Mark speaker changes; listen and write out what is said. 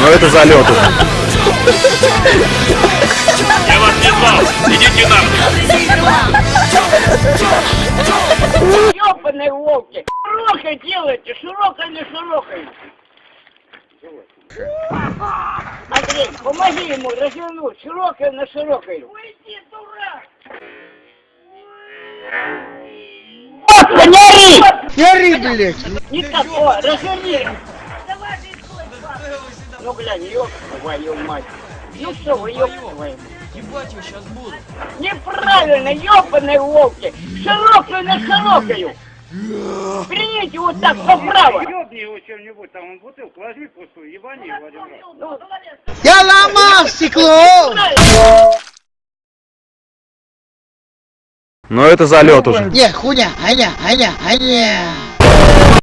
Speaker 1: Но это залет уже.
Speaker 2: Я вас не звал, идите нахуй.
Speaker 3: Ёбаные волки! Широкой делайте, широкой или широкой? Андрей, помоги ему развернуть, широкой на широкой. Уйди, дурак! Просто не ори!
Speaker 4: Не ори, блядь!
Speaker 3: Не так, о, разверни! Ну, глянь, ёб твою мать! Ну что вы, ёб твою?
Speaker 5: Ебать его сейчас буду.
Speaker 3: Неправильно, ёбаные волки! Широкую на широкую! Примите вот так, поправо!
Speaker 6: Ёбни его чем-нибудь, там он бутылку возьми пустую, ебани его один раз.
Speaker 4: Я ломал стекло!
Speaker 1: Но это залет уже.
Speaker 4: Не, хуйня, аня.